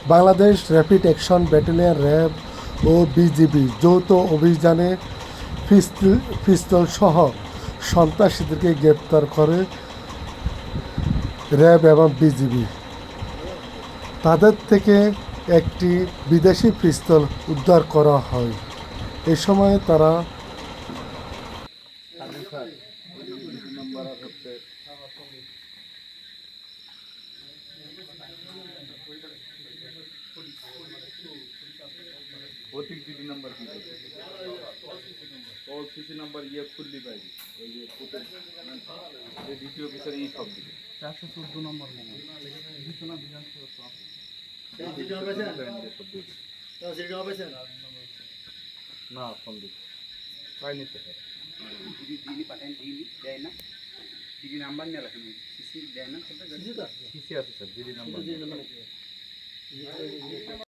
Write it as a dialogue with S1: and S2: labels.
S1: Bangladesh rapid action battalion RAB ও BGB যৌথ অভিযানে পিস্তলসহ সন্ত্রাসীদেরকে গ্রেপ্তার করে র্যাব এবং বিজিবি। তাদের থেকে একটি বিদেশি পিস্তল উদ্ধার করা হয়। এ সময় তারা
S2: প্রতীক জিডি নাম্বার কি অল সিসি নাম্বার ইয়ে খুললি পাইবি ওই যে যে দ্বিতীয় অফিসার এই সব দিকে
S3: 414 নম্বর মনে হয় বিছনা বিধান
S2: না ফোন দিকে পাইনি তো
S3: দিদি পাঠান দিদি দেয় না দিদি নাম্বার নিয়ে রাখেন সিসি দেয় না
S2: সিসি আছে স্যার জিডি নাম্বার